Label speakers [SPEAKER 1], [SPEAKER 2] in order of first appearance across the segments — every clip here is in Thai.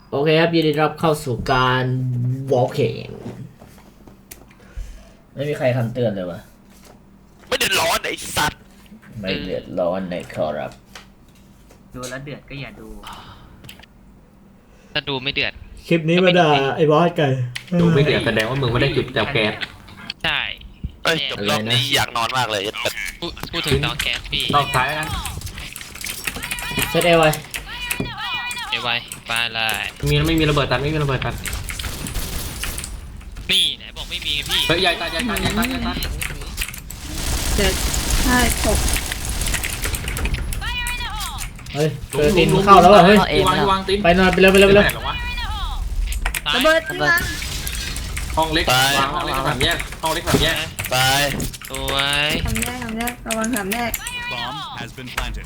[SPEAKER 1] โอเคครับยินดีรับเข้าสู่การวอล์กเองไม่มีใครคำเตือนเลยวะ
[SPEAKER 2] ไม่เดือดร้อนไอ้สัตว์
[SPEAKER 1] ไม่เดือดร้อนในครับ
[SPEAKER 3] ดูแล้วเดือดก็อย่าดู
[SPEAKER 4] ถ้าดูไม่เดือด
[SPEAKER 1] คลิปนี้มาด่าไอ้บอสไก่
[SPEAKER 5] ดูไม่เดือดแสดงว่ามึงไม่ได้จุดจับแก๊ส
[SPEAKER 4] ใช่
[SPEAKER 2] เอ้ยจบรอบนี้อยากนอนมากเลย
[SPEAKER 4] พูดถึงเตาแก๊สพี่
[SPEAKER 5] รอบท้ายแล้วกัน
[SPEAKER 1] เซตเอไว้
[SPEAKER 4] เอไว้ไปเลย
[SPEAKER 5] ไม่มีระเบิดตัดไม่มีระเบิดตัด
[SPEAKER 4] นี่ไหนบอกไม่มีพี่
[SPEAKER 5] เฮ้ยใหญ่ตัดใหญ่ตัดใหญ่ตัดใหญ่ตัด
[SPEAKER 6] ใช่หก
[SPEAKER 1] เฮ้ยเจอตีนเข้าแล้วว่ะเฮ้ยว
[SPEAKER 5] างตีน
[SPEAKER 1] ไปนอนไปเร็วไปเร็วไปเร็ว
[SPEAKER 5] หรอวะ
[SPEAKER 4] ตาย
[SPEAKER 6] ระเบิดที่วาง
[SPEAKER 5] ห้องเล็กวางห้องเล็กสามแยกห้องเล็กสามแยก
[SPEAKER 2] ไป
[SPEAKER 4] สวย
[SPEAKER 6] ทำแยกระวังสามแยก
[SPEAKER 7] Bomb has been planted.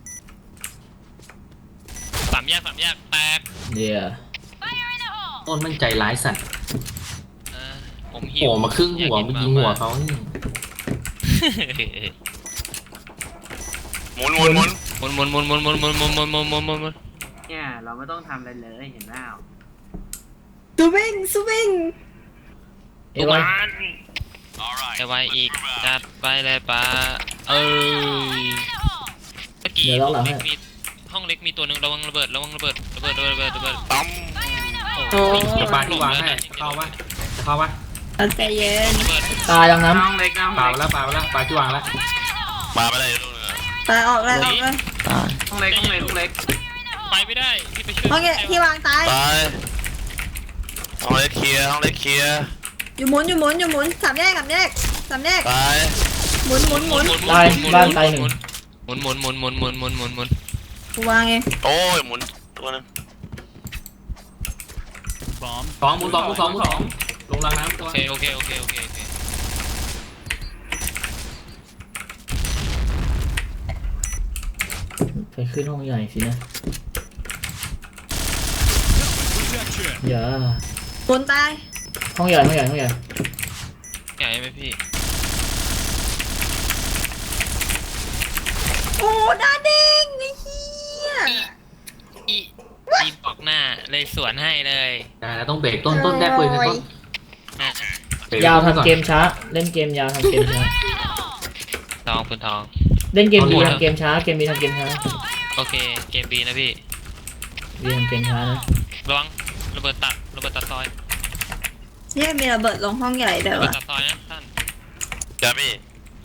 [SPEAKER 4] สามแยกแตก
[SPEAKER 1] เดี๋ยว
[SPEAKER 5] ต้นมันใจร้ายสัตว์
[SPEAKER 4] เออผมหิว
[SPEAKER 5] โอ้มาครึ่งหัวมายิงหัวเขา
[SPEAKER 2] หมุนหมุนหมุน
[SPEAKER 4] หมุน
[SPEAKER 3] เนี่ยเราไม่ต้องทำอะไรเลยเห็นไหม
[SPEAKER 6] ซูวิ่ง
[SPEAKER 1] เอไว้
[SPEAKER 4] เอไว้อีกจัดไปเลยป้าเอ้ยเมื่อกี้ห้องเล็กมีตัวหนึ่งระวังระเบิด
[SPEAKER 2] ตั้ม
[SPEAKER 4] โอ้ย
[SPEAKER 5] จะปาที่วางให้เข้าวะจะเข้าวะ
[SPEAKER 6] เอาใจเย็น
[SPEAKER 4] ระเบิด
[SPEAKER 1] ตายยังน้
[SPEAKER 3] น้องเล็กน้อง
[SPEAKER 5] ปา
[SPEAKER 3] เล็
[SPEAKER 5] ไป
[SPEAKER 3] ก
[SPEAKER 5] แล้วปาไปแล้วปาที่วางแล้ว
[SPEAKER 2] มาไม่ได้ลูกเรือ
[SPEAKER 6] ตายออกเลย
[SPEAKER 3] น้องเล็กน้องเล็กน้องเล็ก
[SPEAKER 4] ไปไม่ได้พี่ไปช่วย
[SPEAKER 6] ห้องเงี้ยที่วางตาย
[SPEAKER 2] ไปห้องเล็กเคลียร์ห้องเล็กเคลียร์
[SPEAKER 6] อยู่หมุนสามแยก
[SPEAKER 2] ไป
[SPEAKER 6] หมุน
[SPEAKER 1] ำตายบ้านตายหนึ่ง
[SPEAKER 4] หมุน
[SPEAKER 6] กูวางเอง
[SPEAKER 2] โอ้ยหมุนตัวนึง
[SPEAKER 7] Bomb
[SPEAKER 5] สองหมุนสองลงรางน้ำตัว
[SPEAKER 4] โอเค
[SPEAKER 1] ไปขึ้นห้องใหญ่สินะ
[SPEAKER 7] protection.
[SPEAKER 1] อย่า
[SPEAKER 6] หมุนตาย
[SPEAKER 1] ห้องใหญ่
[SPEAKER 4] ใหญ่ไหมพี่
[SPEAKER 6] โอ้หน้าเด้งไอ้เหี้ย
[SPEAKER 4] อีบอกหน้าเลยสวนให้เลย
[SPEAKER 5] แต่ต้องเบรกต้นแรกปืนต้น
[SPEAKER 4] นะ
[SPEAKER 1] ยาวทำเกมช้าเล่นเกมยาวทำเกมช้า
[SPEAKER 4] ทองคุณทอง
[SPEAKER 1] เล่นเกมดีทำเกมช้าเกมบีทำเกมช้า
[SPEAKER 4] โอเคเกมบีนะพี่
[SPEAKER 1] บีทำเกมช้านะ
[SPEAKER 4] ระวังระเบิดตัดซอย
[SPEAKER 6] เนี่ยมีระเบิดลงห้องใหญ่เด้อ
[SPEAKER 4] ระเบิด
[SPEAKER 6] วะ
[SPEAKER 4] ตัดซอยนะท่าน
[SPEAKER 2] จ้าพี่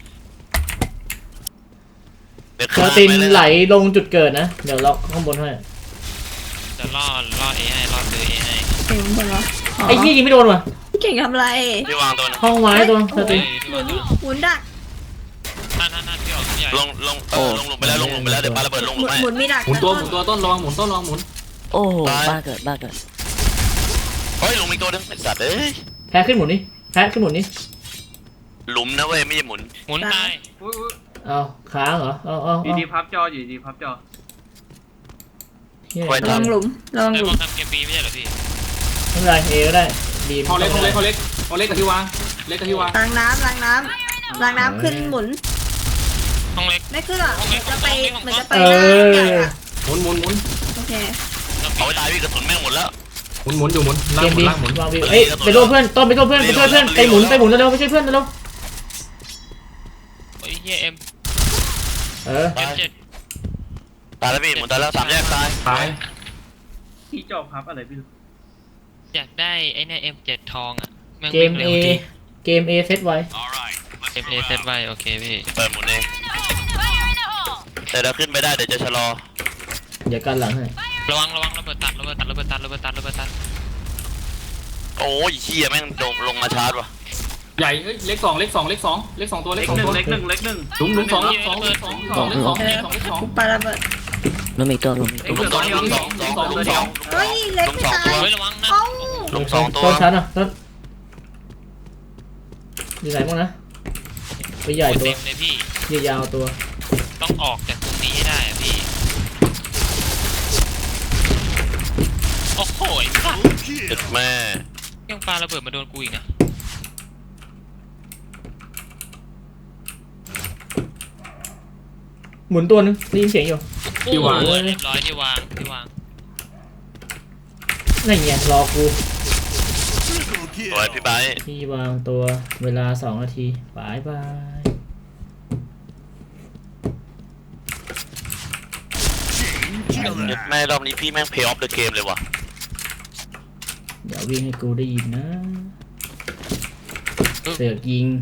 [SPEAKER 2] เดี๋ยว
[SPEAKER 1] เจอตีนไหลลงจุดเกิดนะเดี๋ยวล็อกข้างบนให้
[SPEAKER 4] จะล่อเอให้ล่อซื้อเอให้
[SPEAKER 6] เก่งบนเหรอ
[SPEAKER 1] ไอ้ยี่ยิงไม่โดนว่ะ
[SPEAKER 6] เก่งทำไร
[SPEAKER 2] พี่วางตัวนึง
[SPEAKER 1] ห้องไม้ตัวเจอตีน
[SPEAKER 6] หมุนดัก
[SPEAKER 4] ท่านพี่ออกใหญ่
[SPEAKER 2] ลงไปแล้วเดี๋ยวปาระเบิดลงหลุมให้
[SPEAKER 6] หมุนมีดัก
[SPEAKER 5] หมุนตัวต้นระวังหมุนต้นระวังหมุน
[SPEAKER 8] โอ้โห
[SPEAKER 2] ตาย
[SPEAKER 8] บ้าเกิด
[SPEAKER 2] เฮ้ยลงอีกตัวนึงไอ้สัตว์เอ้ย
[SPEAKER 1] แพ้ขึ้นหมุนนี่แพ้ขึ้นหมุนนี่
[SPEAKER 2] หลุมนะเว้ยไม่ใช่หมุน
[SPEAKER 4] หมุนตาย
[SPEAKER 3] อุ้ย
[SPEAKER 1] เอาค้างเหรอเอา
[SPEAKER 3] อยู่ดีพับจออยู่ดีพับจอ
[SPEAKER 1] เฮีย
[SPEAKER 6] ระวังหลุม
[SPEAKER 4] แต่มองทำเกมบีไม่ใช่เหรอพี่
[SPEAKER 1] ไม่เป็นไรเอก็ได้บี
[SPEAKER 5] ห้องเล็กกับที่วางเล็กกับที่วาง
[SPEAKER 6] ล้างน้ำขึ้นหมุน
[SPEAKER 4] ห้องเล็ก
[SPEAKER 6] ไม่ขึ้นหรอเหมือนจะไปหน้าใหญ่อะ
[SPEAKER 5] หมุน
[SPEAKER 6] โอเค
[SPEAKER 2] เอาไปตายพี่กระสุนแม่งหมดแล้ว
[SPEAKER 5] หมุนอยู่หมุน
[SPEAKER 1] เกมบี
[SPEAKER 5] ล่างหมุน
[SPEAKER 1] วางบีเอ้ยไปร่วมเพื่อนต้นไปร่วมเพื่อนไปช่วยเพื่อนไปหมุนเร็วๆไปช่วยเพื่อนเร็ว
[SPEAKER 4] โอ้ยเฮียเอ็ม
[SPEAKER 1] เออ
[SPEAKER 4] M7
[SPEAKER 2] ตายแล้วพี่หมุนตายแล้วสามแยกตาย
[SPEAKER 5] ตาย
[SPEAKER 3] ที่จอพับอะไรพี่
[SPEAKER 4] อยากได้ไอ้เนี่ย M7 ทองอ่ะแม่ง
[SPEAKER 1] เกม
[SPEAKER 4] วิ่ง
[SPEAKER 1] เอ
[SPEAKER 4] เร็วดี
[SPEAKER 1] เกมเอเซตไว้
[SPEAKER 7] All right.
[SPEAKER 4] เกม A เซตไว้โอเคพี่
[SPEAKER 2] เปิดหมุนเองแต่เราขึ้นไม่ได้เดี๋ยวจะชะลอ
[SPEAKER 1] เดี๋ยวกันหลังให้
[SPEAKER 4] ระวังระเบิดตัด
[SPEAKER 2] โอ้ยเชี่ยแม่งลงมาชาร์จว่ะ
[SPEAKER 5] ใหญ่เล็กสองตัว
[SPEAKER 3] เล็กหนึ่ง
[SPEAKER 5] หลุมสอง
[SPEAKER 6] กูปาระเบิด
[SPEAKER 8] มันมีตัวลง
[SPEAKER 3] เล็กหนึ่งตัวเดียว
[SPEAKER 6] เฮ้ยเล็กไม่ตาย
[SPEAKER 4] เฮ้ยระวังนะ
[SPEAKER 6] เอ้า
[SPEAKER 2] ลงสองตัว
[SPEAKER 1] ต้นชั้นอ่ะต้นอยู่ไหนบ้างนะไปใหญ่ตัว
[SPEAKER 4] เต็มเลยพี่
[SPEAKER 1] ยาวตัว
[SPEAKER 4] ต้องออกจากตรงนี้ให้ได้อะพี่โอ้โหสัตว์
[SPEAKER 2] จุดแม่
[SPEAKER 4] ยังปาระเบิดมาโดนกูอีกนะ
[SPEAKER 1] หมุนตัวนึงได้ยินเสียงอยู่
[SPEAKER 4] โอ้โหเรียบร้อยที่วาง
[SPEAKER 1] นั่นไงรอกู
[SPEAKER 2] สวยพี่ไบร์ท
[SPEAKER 1] ที่วางตัวเวลา2 นาทีบายบาย
[SPEAKER 2] แม่รอบนี้พี่แม่งเพย์ออฟเดอะเกมเลยว่ะ
[SPEAKER 1] เดี๋ยววิ่งให้กูได้ยินนะเสือกยิง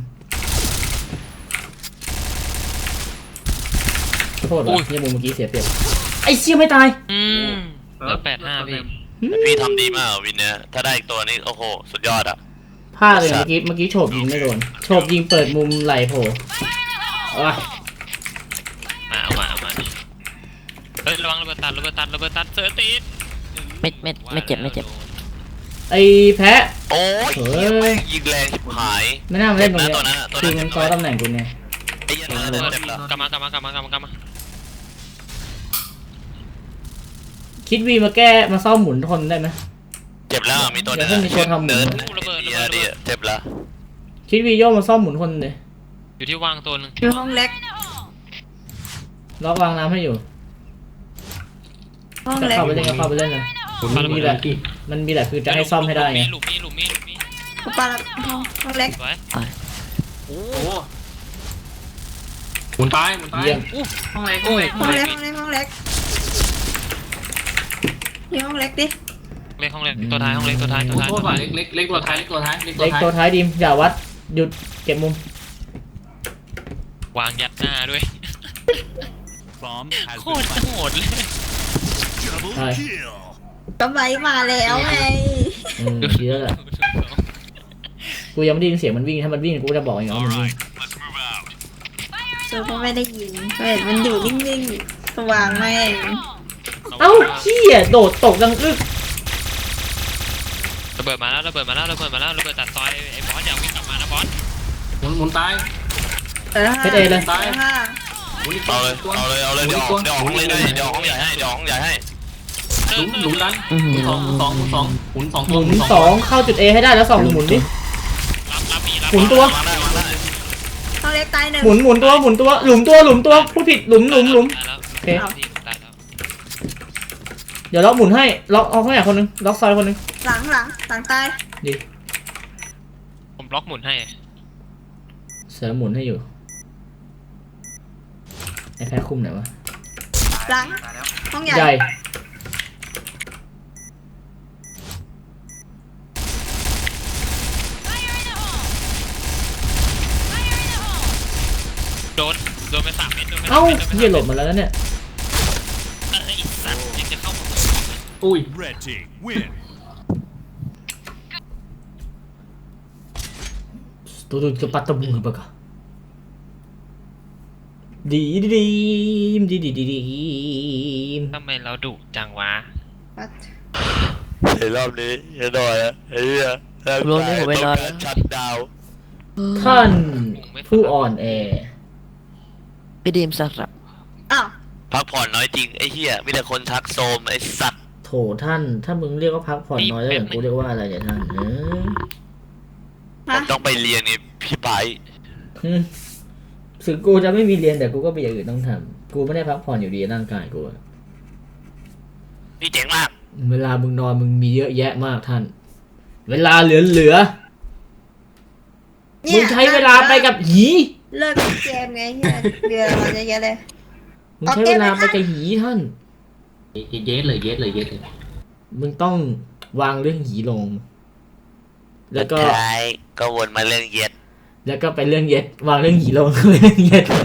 [SPEAKER 1] ขอโทษว่ะเนี่ยมุมเมื่อกี้เสียเปรียบไอ้เชี่ยไม่ตาย
[SPEAKER 4] เหลือ85พี่
[SPEAKER 2] พี่ทำดีมากวินเนี้ยถ้าได้อีกตัวนี้โอ้โหสุดยอดอ่ะ
[SPEAKER 1] พลาดเลยเมื่อกี้โฉบยิงไม่โดนโฉบยิงเปิดมุมไหลโผล่อ่ะ
[SPEAKER 4] เอามาเฮ้ยระวังระเบิดตัดเสือติด
[SPEAKER 8] ไม่เจ็บ
[SPEAKER 1] ไอ้แพะ
[SPEAKER 2] โอ้ย
[SPEAKER 1] เฮ้ย
[SPEAKER 2] เหี้ยแม่งยิงแรงชิบหาย
[SPEAKER 1] ไม่น่ามาเล่นตรงเนี้ย
[SPEAKER 2] ตัวนั้นอะตัว
[SPEAKER 1] คื
[SPEAKER 2] นั้
[SPEAKER 1] อน มันซ้อนตำแหน่งกูไง
[SPEAKER 2] ไอ้เหี้ยันนั่นเต็มแล้ว
[SPEAKER 4] กลับมา
[SPEAKER 1] คิดวีมาแก้มาซ่อมหมุนทนได้ไหม
[SPEAKER 2] เจ็บแล้วมีตัวนึง
[SPEAKER 1] เดี๋ยวให้มีตัวทำหมุน
[SPEAKER 2] เดินดีเจ็บแล้ว
[SPEAKER 1] คิดวีโยมาซ่อมหมุนทนเลย
[SPEAKER 4] อยู่ที่วางตัวนึง
[SPEAKER 6] อยู่ห้องเล็ก
[SPEAKER 1] ล็อกวางน้ำให้อยู่
[SPEAKER 6] ห้องเล็ก
[SPEAKER 1] เข้าไปเล่นก็เข้าไปเล่นเลยมันมีแหละคือจะให้ซ่อมให้ได้ไง
[SPEAKER 4] หลุมมี
[SPEAKER 6] กูปาละห้องเล็ก
[SPEAKER 4] สวย
[SPEAKER 5] โอ้หมุนตาย
[SPEAKER 1] เยี่ยม
[SPEAKER 3] ห้องเล็ก
[SPEAKER 6] ห้องเล็กห้องเล็กห้องเล็กอยู่ห้องเล็กดิ
[SPEAKER 4] ห้องเล็กตัวท้ายห้องเล็กตัวท้าย
[SPEAKER 5] โทษว่ะเล็กตัวท้าย
[SPEAKER 1] เล็กตัวท้ายดิมอย่าวัดหยุดเก็บมุม
[SPEAKER 4] วางยัดหน้าด้วย
[SPEAKER 7] Bomb has
[SPEAKER 4] โค
[SPEAKER 7] been
[SPEAKER 4] ตร
[SPEAKER 7] planted.
[SPEAKER 4] โหดเลย
[SPEAKER 7] Double
[SPEAKER 1] Hi.
[SPEAKER 7] kill.
[SPEAKER 6] ก็ไว้มาแล้วไง
[SPEAKER 1] ดีแล้วแหละกูยังไม่ได้ยินเสียงมันวิ่งถ้ามันวิ่งกูจะบอกเองว่า
[SPEAKER 7] All
[SPEAKER 1] มันวิ่ง
[SPEAKER 7] right, let's move out.
[SPEAKER 6] ซูก็ไม่ได้ยินก็เห็นมันอยู่นิ่งๆสว่างแม่ง
[SPEAKER 1] เอ้าเหี้ยโดดตกดังอึก
[SPEAKER 4] ระเบิดมาแล้วระเบิดตัดซอยไอ้บอสอย่าวิ่งกลับมานะบอส
[SPEAKER 5] หมุนตาย
[SPEAKER 1] เพชรเอเลย
[SPEAKER 5] ตาย
[SPEAKER 6] ค่ะ
[SPEAKER 5] หมุนอีก
[SPEAKER 2] เอาเลยเดี๋ยวห้องเลยด้วยเดี๋ยวห้องใหญ่ให้
[SPEAKER 5] หลุมนั้นหมุนสองหมุนสอง
[SPEAKER 1] หมุน2เข้าจุด A ให้ได้แล้ว2หมุนดิ
[SPEAKER 4] รับมี
[SPEAKER 1] หมุนตัว
[SPEAKER 2] วางได้
[SPEAKER 6] ห้องเล็กตายหนึ่ง
[SPEAKER 1] หมุนตัวหลุมตัวผู้ผิดหลุม
[SPEAKER 4] ตายแล้ว
[SPEAKER 1] โอเค
[SPEAKER 4] ตายแล้ว
[SPEAKER 1] เดี๋ยวล็อกหมุนให้ล็อกเอาข้างไหนคนนึงล็อกซอยคนนึง
[SPEAKER 6] หลังตาย
[SPEAKER 1] ดี
[SPEAKER 4] ผมบล็อกหมุนให้
[SPEAKER 1] เสือหมุนให้อยู่ไอ้แพ้คุมไหนวะ
[SPEAKER 6] หลังห้องใหญ่
[SPEAKER 1] ใหญ่
[SPEAKER 4] โดนไป3 เม็ด
[SPEAKER 1] เอ้าเหี้ยหลบมาแล้วนะเนี่ย
[SPEAKER 4] ไอ้สัตว์ยังจะเข้ามา
[SPEAKER 5] อุ้ย
[SPEAKER 7] Red team win.
[SPEAKER 1] ตัวจะปัตตะบุงปะกะดีม
[SPEAKER 4] ทำไมเราดุจังวะ
[SPEAKER 6] ปัด
[SPEAKER 2] ในรอบนี้จะหน่อยไอ้เหี้ยชัดดาว
[SPEAKER 1] ท่านผู้อ่อนแอ
[SPEAKER 8] พี่ดีมสับ
[SPEAKER 6] อ้าว
[SPEAKER 2] พักผ่อนน้อยจริงไอ้เหี้ยมีแต่คนทักโซมไอ้สัตว์
[SPEAKER 1] โถท่านถ้ามึงเรียกว่าพักผ่อนน้อยแล้วอย่างกูเรียกว่าอะไรเนี่ยท่าน
[SPEAKER 2] ผมต้องไปเรียนนี่พี่ไบร์ท
[SPEAKER 1] ถึงกูจะไม่มีเรียนแต่กูก็มีอย่างอื่นต้องทำกูไม่ได้พักผ่อนอยู่ดีร่างกายกู
[SPEAKER 2] นี่เจ๋งมาก
[SPEAKER 1] เวลามึงนอนมึงมีเยอะแยะมากท่าน เวลาเหลือมึงใช้เวลาไปกับหี
[SPEAKER 6] เลิกเกมไงเฮียเดือนมาเยอะๆเลย
[SPEAKER 1] มึงใช้เวลาไปกับหีท่าน
[SPEAKER 5] เย็ดเลย
[SPEAKER 1] มึงต้องวางเรื่องหีลง แล้วก็
[SPEAKER 2] ท้ายก็วนมาเรื่องเย็ด
[SPEAKER 1] แล้วก็ไปเรื่องเย็ดวางเรื่องหีลง เรื่องเย็ด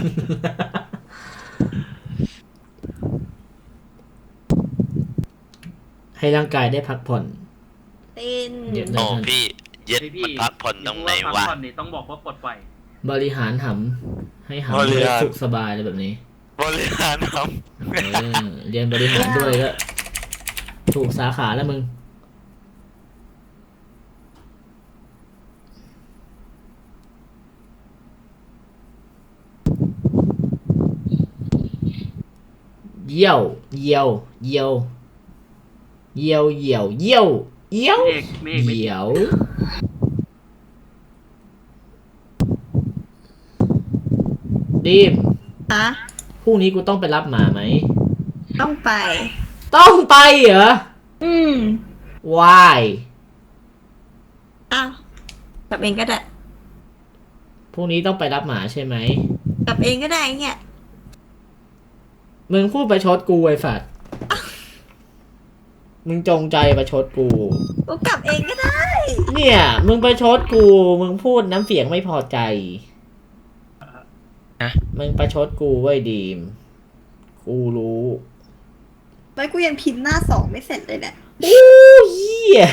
[SPEAKER 1] ให้ร่างกายได้พักผ่อน
[SPEAKER 6] ตีน
[SPEAKER 1] เย็ด
[SPEAKER 2] โอ้พี่เย็ดมันพักผ่อนตรงไหนวะ
[SPEAKER 3] พักผ่อนนี่ต้องบอกว่าปลดปล่อย
[SPEAKER 1] บริหารหำให้หำ
[SPEAKER 2] บริ
[SPEAKER 1] ได้
[SPEAKER 2] หาร
[SPEAKER 1] สุขสบายอะไรแบบนี้
[SPEAKER 2] บริหารครับ
[SPEAKER 1] เรียนบริหารด้วยก็ถูกสาขาแล้วมึงเยี่ยวเยี่ยวเยี่ยวเยี่ยวเยี่ยวเยี่ยวเยี่ยว
[SPEAKER 3] เมฆ
[SPEAKER 1] เยี่ยวดิม
[SPEAKER 6] ฮะ
[SPEAKER 1] พรุ่งนี้กูต้องไปรับหมาไหม
[SPEAKER 6] ต้องไป
[SPEAKER 1] ต้องไปเหรอ why
[SPEAKER 6] อ้าวกลับเองก็ได้
[SPEAKER 1] พรุ่งนี้ต้องไปรับหมาใช่ไหม
[SPEAKER 6] กลับเองก็ได้เนี่ย
[SPEAKER 1] มึงพูดประชดกูไอ้ฝัดมึงจงใจประชดกู
[SPEAKER 6] กูกลับเองก็ได้
[SPEAKER 1] เนี่ย มึงประชดกู มึงพูดน้ำเสียงไม่พอใจ มึงประชดกูไว้ยดีม กูรู้
[SPEAKER 6] ไม่กูยังพิมพ์หน้าสองไม่เสร็จเลยเนี่ย
[SPEAKER 1] อู้เหี้ย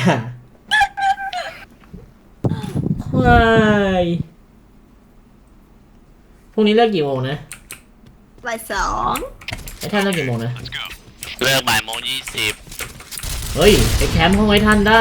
[SPEAKER 1] ควายพรุ่งนี้เลิกกี่โมงนะ
[SPEAKER 6] บ่ายสอง
[SPEAKER 1] ไอ้ท่านเลิกกี่โมงนะ
[SPEAKER 7] Let's go.
[SPEAKER 2] เลิกบ่ายโมง20
[SPEAKER 1] เฮ้ยไปแคมป์ห้องไว้ท่านได้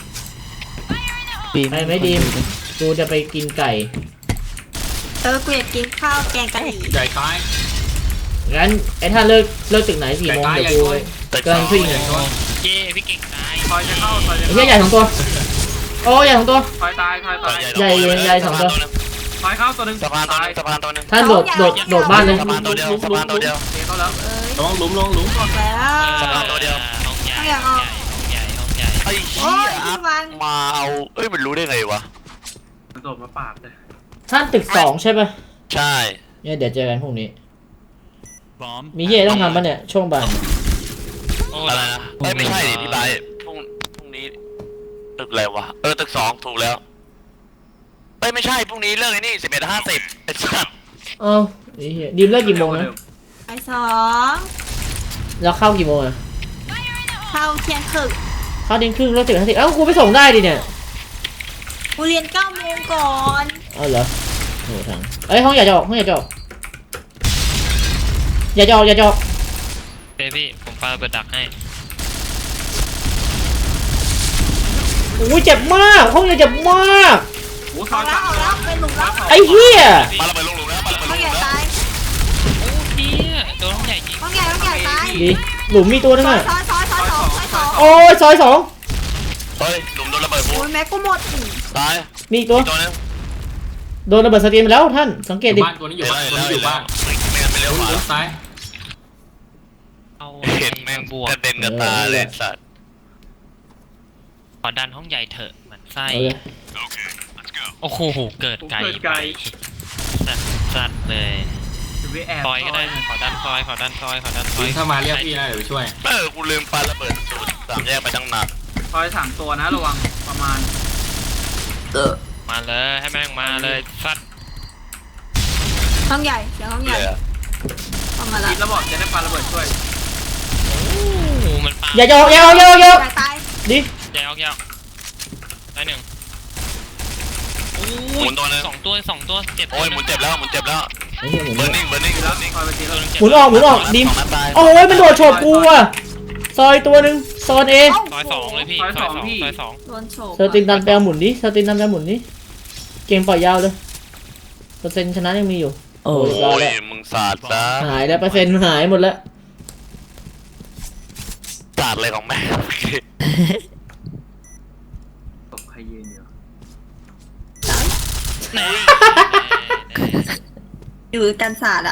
[SPEAKER 1] ไปไหมดีม กูจะไปกินไก่
[SPEAKER 6] กูอยากกินข้าวแกงกะหรี่
[SPEAKER 5] ใหญ่ตาย
[SPEAKER 1] งั้นไอ้ท่านเลิกตึกไหนกี่โมง
[SPEAKER 5] ไก่
[SPEAKER 1] เดี๋ยวกู
[SPEAKER 5] ใหญ่
[SPEAKER 2] ตึก
[SPEAKER 1] เกิน
[SPEAKER 2] 2
[SPEAKER 1] ขึ้น
[SPEAKER 5] ให
[SPEAKER 1] เล
[SPEAKER 5] ญ่
[SPEAKER 1] ย
[SPEAKER 5] ตัว
[SPEAKER 4] เย้พี่เก่งตาย
[SPEAKER 3] ซอยจะเข้าซอยจะ
[SPEAKER 1] ไอ้
[SPEAKER 3] เข้า
[SPEAKER 1] เหี้ยใหญ่ของตัว โอ้ใหญ่ของตัว
[SPEAKER 3] ซอยตายซอยตาย
[SPEAKER 1] ใหญ่ใหญ่สองตัว
[SPEAKER 3] ซอยเข้าตัวหนึ่ง
[SPEAKER 2] สะพานตัว
[SPEAKER 3] ตา
[SPEAKER 2] นึ
[SPEAKER 3] ย
[SPEAKER 2] งสะพานตัวนึง
[SPEAKER 1] ท่านโดดบ้านเลย
[SPEAKER 2] สะพานตัวเดียวสะพานตัวเดียว
[SPEAKER 3] เทเข้าแล้ว
[SPEAKER 5] ระวังหลุมระวังหลุม
[SPEAKER 6] บอกแล้ว
[SPEAKER 2] สะพานตัวเดียว
[SPEAKER 4] ห้องใหญ่ห้องใหญ่ห้องใหญ่
[SPEAKER 2] ไอ้
[SPEAKER 6] โอ้
[SPEAKER 2] เหี้ย
[SPEAKER 6] ยพี่วัน
[SPEAKER 2] มาเอาเอ้ยมันรู้ได้ไงวะ
[SPEAKER 3] มันโดดมาปาดเลย
[SPEAKER 1] ท่านตึก2ใช่ปะ
[SPEAKER 2] ใช่
[SPEAKER 1] เนี่ยเดี๋ยวเจอกันพรุ่งนี้
[SPEAKER 7] Bomb.
[SPEAKER 1] มีเหี้ยต้องทำปะเนี่ยช่วงบ่าย
[SPEAKER 4] โอ้
[SPEAKER 2] อะไรนะเอ้ยไม่ใช่ดิพี่ไบร์ทพรุ่งนี้ตึกอะไรวะตึก2ถูกแล้วเอ้ยไม่ใช่พรุ่งนี้เลิกไอ้นี่11:50ไอ้สัส
[SPEAKER 1] เอ้าไอ้เหี้ยดีมเลิกกี่โมงนะ
[SPEAKER 6] บ่ายสอง
[SPEAKER 1] แล้วเข้ากี่โมงอะ
[SPEAKER 6] เข้าเที่ยงครึ่ง
[SPEAKER 1] เข้าเที่ยงครึ่งแล้ว10 นาทีเอ้ากูไปส่งได้ดิเนี่ย
[SPEAKER 6] กูเรียน9 โมงก่อน
[SPEAKER 1] เอาเหรอโอ้ทางเอ้ยห้องอย่าจะออกห้องอย่าจะออกอย่าจะออกอย่าจะออก
[SPEAKER 4] เบบี้ผมปาระเบิดดักให้
[SPEAKER 1] โอ้ยเจ็บมากห้องอย่าเจ็บมาก
[SPEAKER 3] โอ้ซ
[SPEAKER 6] อ
[SPEAKER 3] อ
[SPEAKER 6] อย กแล้วออกแล้วเป็นหลุมแล้ว
[SPEAKER 1] ไอ้เหี้ย
[SPEAKER 2] มาระเบิดลงหลุมแล้วมาระเบิดล
[SPEAKER 6] ห้อง ง
[SPEAKER 2] ห
[SPEAKER 6] ให
[SPEAKER 2] ลุ
[SPEAKER 6] ญ่
[SPEAKER 2] มแล้ว
[SPEAKER 6] ตาย
[SPEAKER 4] โอ้เหี้ยโดนห้องใหญ่ยิง
[SPEAKER 6] ห้องใหญ่ตาย
[SPEAKER 1] ดีหลุมมีตัวนึง
[SPEAKER 6] ซอย
[SPEAKER 1] อะ
[SPEAKER 6] ซอย
[SPEAKER 1] โอ้ยซอย2
[SPEAKER 2] เฮ้ยหลุมโดนระเบิดฟู
[SPEAKER 6] โอ้ยแม็กกูหมด
[SPEAKER 2] ตาย
[SPEAKER 1] มีอีกตัว
[SPEAKER 2] ตัวนึง
[SPEAKER 1] โดนระเบิดสตรีมไปแล้วท่านสังเกตดิ
[SPEAKER 5] บ้านตัวนี้อยู่บ้านตัวนี้อยู่บ้าน
[SPEAKER 2] ไม่งั้นไปเร็ว
[SPEAKER 5] หลุ
[SPEAKER 2] ก
[SPEAKER 5] ม
[SPEAKER 2] ว่า
[SPEAKER 5] ซ้าย
[SPEAKER 4] เอา
[SPEAKER 2] เห็นแม่ง
[SPEAKER 4] บวก
[SPEAKER 2] กระเด็นกระตาเลยสัตว์
[SPEAKER 4] ขอดันห้องใหญ่เถอะเหมือนไส้
[SPEAKER 1] เอาเลย
[SPEAKER 7] Okay, let's go.
[SPEAKER 4] โอ้โหเกิดไกลไปสัตว์เลย
[SPEAKER 3] จะไปแอบ
[SPEAKER 4] ซอยก็ได้ขอดันซอยขอดันซอยขอดันซอย
[SPEAKER 5] ถ้ามาเรียกพี่นะเดี๋ยวไปช่วย
[SPEAKER 2] กูลืมปาระเบิดสูตร3 แยกไปตั้งนาน
[SPEAKER 3] ซอย3 ตัวนะระวังประมาณ
[SPEAKER 4] มาเลยให้แม่งมาเลยสัตว์
[SPEAKER 6] ห้องใหญ่เดี๋ยวห้องใหญ่
[SPEAKER 2] เลยอะ
[SPEAKER 6] เข้ามาละ
[SPEAKER 3] คิดแล้วบอกจะได้ปาระเบิดช่วย
[SPEAKER 4] โอ้โหมันปา
[SPEAKER 1] อย่าจะออกอย่าออกอย่าออกอย่าออก
[SPEAKER 6] ใหญ่ตาย
[SPEAKER 1] ดิ
[SPEAKER 4] ใหญ่ออกยาวได้หนึ่งโอ้
[SPEAKER 2] หมุนตัวนึง
[SPEAKER 4] สองตัวเจ็บ
[SPEAKER 2] โอ้ยหมุนเจ็บแล้วหมุนเจ็บแล้ว
[SPEAKER 1] ไอ้เหี้ยหมุน
[SPEAKER 2] เบอร์นิ่งเบอร์นิ่ง
[SPEAKER 3] แล้วซอยไปที
[SPEAKER 4] ตั
[SPEAKER 3] แล้ว ว
[SPEAKER 4] นึงเจ็บ
[SPEAKER 1] หมุนออกดิม
[SPEAKER 2] 2 นัดตาย
[SPEAKER 1] โอ้ยมันโดดโฉบกูอะซอยตัวหนึ่งโซนเอ
[SPEAKER 4] ซอยสองเลยพี่ซอยสองซอยสอง
[SPEAKER 6] โดนโฉบ
[SPEAKER 1] เซอร์ตินดันแปลหมุนดิเซอร์ตินดันแปลหมุนดิเกมปล่อยยาวเลยเปอร์เซ็นต์ชนะยังมีอยู่
[SPEAKER 8] โอ้
[SPEAKER 1] โอ้ย
[SPEAKER 2] โอ้ยมึงสาดซะ
[SPEAKER 1] หายแล้วเปอร์เซ็นต์หายหมดแล้ว
[SPEAKER 2] สาดเลยของแม่
[SPEAKER 3] ตกใครยืนอยู่
[SPEAKER 6] อยู่กันศาสตร์อะ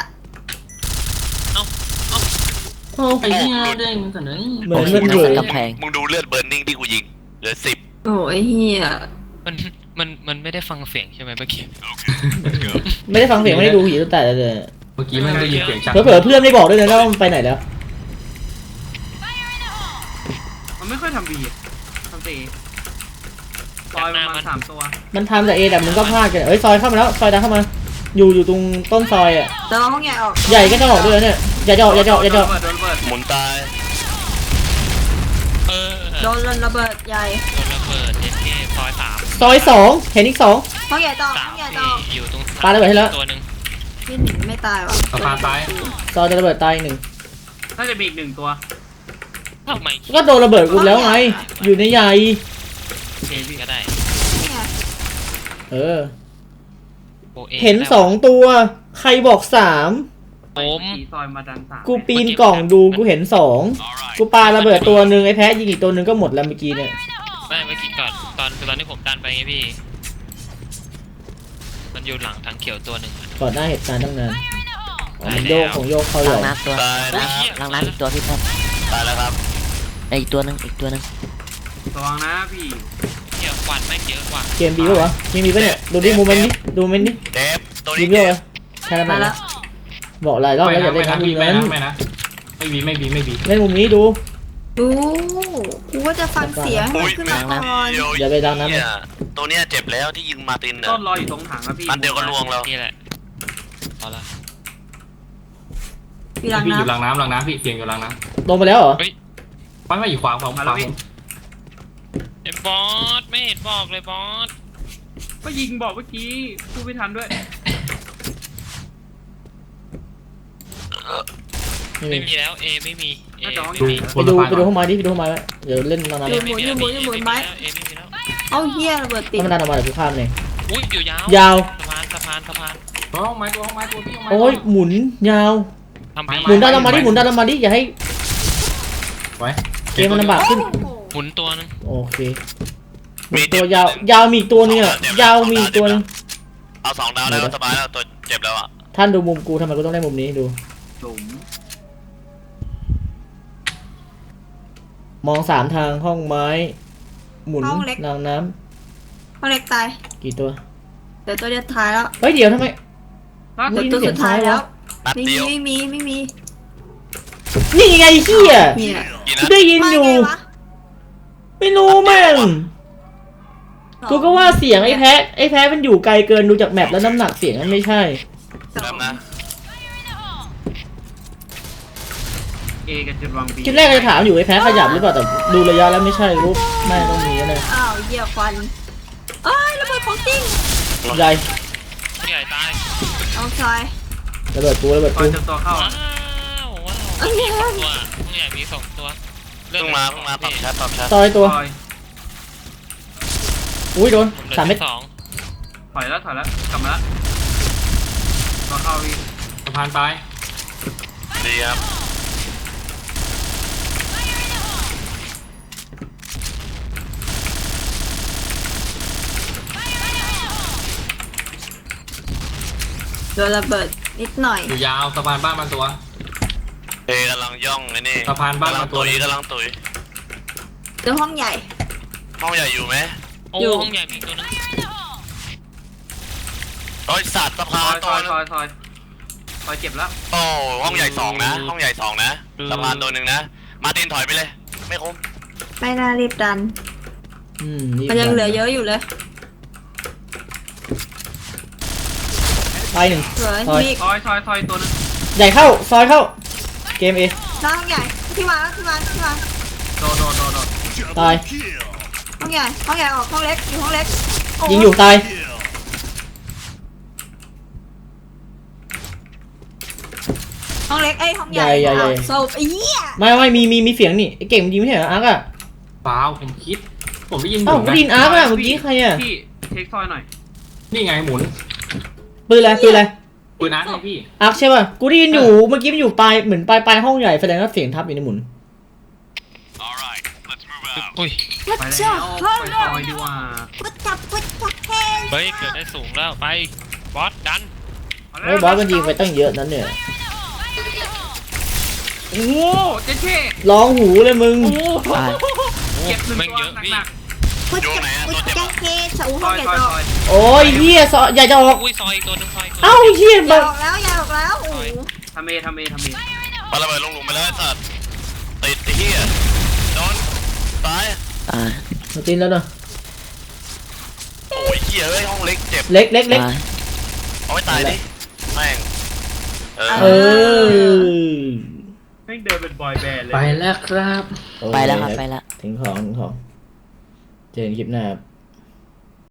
[SPEAKER 1] โอ้
[SPEAKER 5] ไอ้เหี้ยเด้งสันเลย
[SPEAKER 1] เหมือนมันเหว
[SPEAKER 8] กำแพง
[SPEAKER 2] มึงดูเลือดเบอร์นิ่งที่กูยิงเหลือ10
[SPEAKER 6] โอ้ยเฮีย
[SPEAKER 4] มันไม่ได้ฟังเสียงใช่ไหมเมื่อกี้
[SPEAKER 7] Let's go.
[SPEAKER 1] ไม่ได้ฟังเสียงไม่ได้ดูผีตั้งแต่เลย
[SPEAKER 5] เมื่อกี้มันได้ยินเสียงชัก
[SPEAKER 1] เผลอๆเพื่อนไม่บอกด้วยนะว่ามันไปไหนแล้ว
[SPEAKER 3] มันไม่ค่อยทำบีทำตีซอยประมาณ3 ตัว
[SPEAKER 1] มันทำแต่เอแต่มึงก็พลาดกันเอ้ยซอยเข้ามาแล้วซอยดันเข้ามา อยู่ตรงต้นซอยอ่ะ
[SPEAKER 6] เดี๋ยวห้องใหญ่ออก
[SPEAKER 1] ใหญ่ก็จะออกด้วยนะเนี่ยอย่าจะออกอย่าจะออกอย่าจะออก
[SPEAKER 3] โดนระเบิด
[SPEAKER 2] หมุนตาย
[SPEAKER 4] เออ
[SPEAKER 6] โดนระเบิดใหญ่
[SPEAKER 4] โดนระเบิดเอเคซอยสาม
[SPEAKER 1] ซอย2เห็นอีก2
[SPEAKER 6] ห้องใหญ่ต่อ
[SPEAKER 4] สา
[SPEAKER 6] ห้
[SPEAKER 4] ม
[SPEAKER 6] องใหญ่
[SPEAKER 4] ที่
[SPEAKER 6] ต่อ
[SPEAKER 4] อยู่ตรง
[SPEAKER 1] ปาระเบิดให้แล้ว
[SPEAKER 4] ตัวหนึ่ง
[SPEAKER 6] พี่หนิงไม่ตายว่ะ
[SPEAKER 5] สะพานซ้าย
[SPEAKER 1] ซอยจะระเบิดตายอีกหนึ่ง
[SPEAKER 3] น่าจะมีอีก1 ตัว
[SPEAKER 4] ทำไม
[SPEAKER 1] ก็โดนระเบิดกูแล้วไงอยู่ในใหญ่
[SPEAKER 4] เคก็ได้
[SPEAKER 6] นี่ไง
[SPEAKER 1] เออ
[SPEAKER 4] โอเอ
[SPEAKER 1] เห็น2ตัวใครบอก3
[SPEAKER 4] ผม
[SPEAKER 3] ขี่ซอยมาดัน3
[SPEAKER 1] กูปีนกล่องดูกูเห็น2
[SPEAKER 7] All right.
[SPEAKER 1] กูปาระเบิดตัวหนึ่งไอ้แพ้ยิงอีกตัวหนึ่งก็หมดแล้วเมื่อกี้เนี่ย
[SPEAKER 4] ไม่เมื่อกี้ก่อนตอนที่ผมดันไปไงพี่ มันอยู่หลังทางเขียวตัวหนึ่ง
[SPEAKER 1] ก่อนหน้าเหตุการณ์ตั้งนานอ๋อมันโยกของโยกเขา
[SPEAKER 8] ห
[SPEAKER 1] ให
[SPEAKER 8] ลั
[SPEAKER 1] ญ่
[SPEAKER 8] งน้ำตัว
[SPEAKER 2] ตายนะ
[SPEAKER 8] หลังน้ำอีกตัวพี่แพทย์
[SPEAKER 2] ตายแล้วครับ
[SPEAKER 8] อีกตัวหนึงอีกตัวหนึง
[SPEAKER 3] ระวังนะพี่
[SPEAKER 4] เดี๋ยวควันแม่งเยอะกว่า
[SPEAKER 1] เกมบีปะวะเกมบีปะเนี่ยดูดิโมเมนต์ดิดูโมเมนต์ดิ
[SPEAKER 2] เดฟตัว
[SPEAKER 1] ยิ
[SPEAKER 2] นี้
[SPEAKER 1] งเยอะเลยแค่นั้น
[SPEAKER 6] มา
[SPEAKER 1] นะ
[SPEAKER 6] แล้ว
[SPEAKER 1] บอกหลายรอบแล้วอย่าเล่นนะมุม
[SPEAKER 5] ไม่
[SPEAKER 1] นั้น
[SPEAKER 5] นะไม่นะไม่บีไม่บีไม่บี
[SPEAKER 1] เล่นมุมนี้ดู
[SPEAKER 6] ดูกูก็จะฟังเสียงให้มันขึ้นมาก่อน
[SPEAKER 1] อย่าไปดังนะ
[SPEAKER 2] เนี่ยตัวเนี้ยเจ็บแล้วที่ยิงมาตินอ่ะ
[SPEAKER 3] ต้นรออยู่ตรงถังนะพี่
[SPEAKER 2] อันเดียวก็ลวงแล้ว
[SPEAKER 4] นี่แหละเอาละ
[SPEAKER 6] อยู่หลัง
[SPEAKER 5] พี่อยู่ห
[SPEAKER 6] น้ำ
[SPEAKER 5] ลังน้ำพี่เสียงอยู่หลังน้
[SPEAKER 1] ลงไปแล้วเหรอ
[SPEAKER 5] ไม่อยู่ขวาผม
[SPEAKER 3] มาแล้วพี่
[SPEAKER 4] เอ็มบอสไม่เห็นบอกเลยบอส
[SPEAKER 3] ก็ยิงบอกเมื่อกี้พูดไม่ทันด้วย
[SPEAKER 4] ไม่มีแล้วเอไม่มีเอไม่
[SPEAKER 5] ดู
[SPEAKER 4] มี
[SPEAKER 1] ไปดูห้องไม้ดิไปดูห้องไม้ไว้เดี๋ยวเล่นนานๆ
[SPEAKER 4] เอ
[SPEAKER 1] เลย
[SPEAKER 4] ไม่มีแล้วเอไม่มีแล้ว
[SPEAKER 6] เอาเฮียระเบิดติด
[SPEAKER 1] ถ้ามันดันออกมาเดี๋ยวกูข้ามเอง
[SPEAKER 4] อุ้ยอยู่ยาวย
[SPEAKER 1] าว
[SPEAKER 4] สะพาน
[SPEAKER 5] ตัวห้องไม้ตัวพี่ห้องไม้
[SPEAKER 1] โอ้ยหมุนยาว
[SPEAKER 4] ทำบี
[SPEAKER 1] หมุนด้านลงมาดิหมุนด้านลงมาดิอย่าให้
[SPEAKER 5] ไว้
[SPEAKER 1] เกมมันลำบากขึ้น
[SPEAKER 4] หมุนตัวนึง
[SPEAKER 1] โอเคหมุนตัวยาวมีอีกตัวนึงอ่ะยาวมีอีกตัวนึง
[SPEAKER 2] เอา2 ดาวแล้วสบายแล้วตัวเจ็บแล้วอ่ะ
[SPEAKER 1] ท่านดูมุมกูทำไมกูต้องได้มุมนี้ดู
[SPEAKER 3] หลุม
[SPEAKER 1] มอง3ทางห้องไม้ หมุนรางน้
[SPEAKER 6] เขาเล็กตาย
[SPEAKER 1] ำกี่ตัว
[SPEAKER 6] เดี๋ยวตัวเดียวท้ายแล้ว
[SPEAKER 1] เฮ้ยเดี๋ยวทำไม
[SPEAKER 3] รัก
[SPEAKER 6] เดี๋ยวตัวสุดท้ายแล้ว
[SPEAKER 2] นัด
[SPEAKER 6] ไม่
[SPEAKER 2] เดี
[SPEAKER 6] มี
[SPEAKER 2] ยว
[SPEAKER 6] ไม่มีไม่มี
[SPEAKER 1] นี่ไงเฮีย
[SPEAKER 6] เนี่ย
[SPEAKER 2] กี่
[SPEAKER 1] กู
[SPEAKER 2] นัด
[SPEAKER 1] ได้ยิน
[SPEAKER 6] มา
[SPEAKER 1] อยู่
[SPEAKER 6] ไงวะ
[SPEAKER 1] ไม่รู้แม่งกูก็ว่าเสียงไอ้แพ้มันอยู่ไกลเกินดูจากแมปแล้วน้ำหนักเสียงมันไม่ใช่
[SPEAKER 2] แบบนะ
[SPEAKER 3] เอกับจุดวางบี
[SPEAKER 1] คิดแรกจะถามอยู่ไอ้แพ้ขยับหรือเปล่าแต่ดูระยะแล้วไม่ใช่รูปแม่ต้องมีแน่
[SPEAKER 6] อ้าวเหี้ยควันเอ้ยระเบิดของจริง
[SPEAKER 1] ใหญ่
[SPEAKER 4] ผู้ใหญ่ตาย
[SPEAKER 6] เอาซอย
[SPEAKER 1] ระเบิดปูระเบิด
[SPEAKER 3] คอ
[SPEAKER 1] ปู
[SPEAKER 3] ยเจอตัวเข้า
[SPEAKER 4] ว้าวมีสองตัวผู้ใหญ่มี2 ตัว
[SPEAKER 2] เพิ่งมาปรับแชท
[SPEAKER 1] ซอยตัว
[SPEAKER 3] คอย
[SPEAKER 1] อุ้ยโดน
[SPEAKER 4] ผมเหลือ
[SPEAKER 1] 3 เม็ด
[SPEAKER 4] สอง
[SPEAKER 3] ถอยแล้วกลับมาแล้วตัวเข้าพี่
[SPEAKER 5] สะพานไป
[SPEAKER 2] ดีครับ
[SPEAKER 6] โดนระเบิดนิดหน่อย
[SPEAKER 5] อยู่ยาวสะพานบ้านมันตัว
[SPEAKER 2] เอกำลังย่องนี่
[SPEAKER 5] สะพานบ้าน
[SPEAKER 2] กำลัง
[SPEAKER 5] มาตัว
[SPEAKER 2] ตุยกำลังตุย
[SPEAKER 6] เดี๋ยวห้องใหญ่
[SPEAKER 2] ห้องใหญ่อยู่ไหม
[SPEAKER 4] โอ้
[SPEAKER 6] อยู่
[SPEAKER 4] ห้องใหญ่มีอีกตัวนึง
[SPEAKER 2] โอ้ยสัตว์สะ
[SPEAKER 3] ซ
[SPEAKER 2] พา
[SPEAKER 3] อน ย
[SPEAKER 2] ตัวนึง
[SPEAKER 3] ซอยเจ็บแล้ว
[SPEAKER 2] โอ้ห้องใหญ่2นะห้องใหญ่2นะสะพานตัวหนึ่งนะมาตินถอยไปเลย ไม่คุ้ม
[SPEAKER 6] ไม่น่ารีบดัน
[SPEAKER 1] นี่
[SPEAKER 6] มันยังเหลือเยอะอยู่เลย
[SPEAKER 1] ไปหนึ่ง
[SPEAKER 6] เหลือ
[SPEAKER 1] ซอย
[SPEAKER 6] มี
[SPEAKER 3] ซอยตัวนึง
[SPEAKER 1] ใหญ่เข้าซอยเข้าเกมเอ
[SPEAKER 6] หน้าห้องใหญ่ที่วางที่วาง
[SPEAKER 3] โดน
[SPEAKER 1] ตาย
[SPEAKER 6] ห้องใหญ่ออกห้องเล็กอยู่ห้องเล็กโ
[SPEAKER 1] ยิงอยู่ตาย
[SPEAKER 6] ห้องเล็กไอ้ยห้องใหญ่
[SPEAKER 1] ใหญ่
[SPEAKER 6] อ้าวโซบไอ้เหี้ย
[SPEAKER 1] ไม่มีเสียงนี่ไอ้เก่งมันยิงไม่ใช่เหรออาร์กอะ
[SPEAKER 5] เปล่าผมคิด ผมได้ยิน
[SPEAKER 1] เอ้า
[SPEAKER 5] หมุน
[SPEAKER 1] กูได้ยินอาร์กอะเมื่อกี้ใครอะ
[SPEAKER 3] พี่เทคซอยหน่อย
[SPEAKER 5] นี่ไงหมุน
[SPEAKER 1] ปืนอะไร
[SPEAKER 5] ปืนอาร์ตไงพี่
[SPEAKER 1] อาร์กใช่ป่ะกูได้ยินอยู่เมื่อกี้มันอยู่ปลายเหมือนปลายห้องใหญ่แสดงว่าเสียงทับอยู่ในหมุน
[SPEAKER 7] All right, let's move out.
[SPEAKER 4] อุ้ย
[SPEAKER 6] วัด
[SPEAKER 3] ไป
[SPEAKER 6] เจ้า
[SPEAKER 3] แล้ว
[SPEAKER 6] เฮ้ย
[SPEAKER 3] ไปซอยดีกว่า
[SPEAKER 6] วัดจับเฮ้ย
[SPEAKER 4] เฮ้ยเกิดได้สูงแล้วไปบอสดัน
[SPEAKER 1] ไม่บอสมันยิงไปตั้งเยอะนั้นเนี่ย
[SPEAKER 3] โอ้โหเจ๊เช่
[SPEAKER 1] ร้องหูเลยมึง
[SPEAKER 8] ตาย
[SPEAKER 3] เก็บหนึ่ง
[SPEAKER 4] แม่ง
[SPEAKER 3] ตัว
[SPEAKER 4] เยอะพี่
[SPEAKER 3] หนัก
[SPEAKER 6] วัดจับวัดจับเฮ้ยสาว
[SPEAKER 3] ๆซ
[SPEAKER 6] ห้อ
[SPEAKER 3] อง ย
[SPEAKER 6] ใหญ่
[SPEAKER 3] ซอย
[SPEAKER 6] จะอ
[SPEAKER 3] ซ
[SPEAKER 6] อก
[SPEAKER 3] อย
[SPEAKER 1] โอ้ยเฮียใหญ่จะออก
[SPEAKER 4] อุ้ยซอยอีกตัวนึงซอยอีกตัว
[SPEAKER 1] เอ้าเฮีย
[SPEAKER 6] อย่า
[SPEAKER 1] บั
[SPEAKER 6] อง อกแล้วโอ้โห
[SPEAKER 3] ทำเอ
[SPEAKER 2] ปาระเบิดลงหลุมไปแล้วไอ้สัตว์ติดไอ้เหี้ยโดนตาย
[SPEAKER 8] ตาย
[SPEAKER 1] มาตีนแล้วเนาะ
[SPEAKER 2] โอ้ยเหี้ยเอ้ยห้องเล็กเจ็บ
[SPEAKER 1] เล็ก
[SPEAKER 8] ตาย
[SPEAKER 2] เอาไว้ตายดิแม่ง
[SPEAKER 1] เออ
[SPEAKER 3] แม่งเดินเป็นบอยแบนด์เลย
[SPEAKER 5] ไปแล้วครับ
[SPEAKER 1] โอเค
[SPEAKER 8] ไปแล้วครับไปแล้ว
[SPEAKER 1] ถึงของเจอกันคลิปหน้าครับ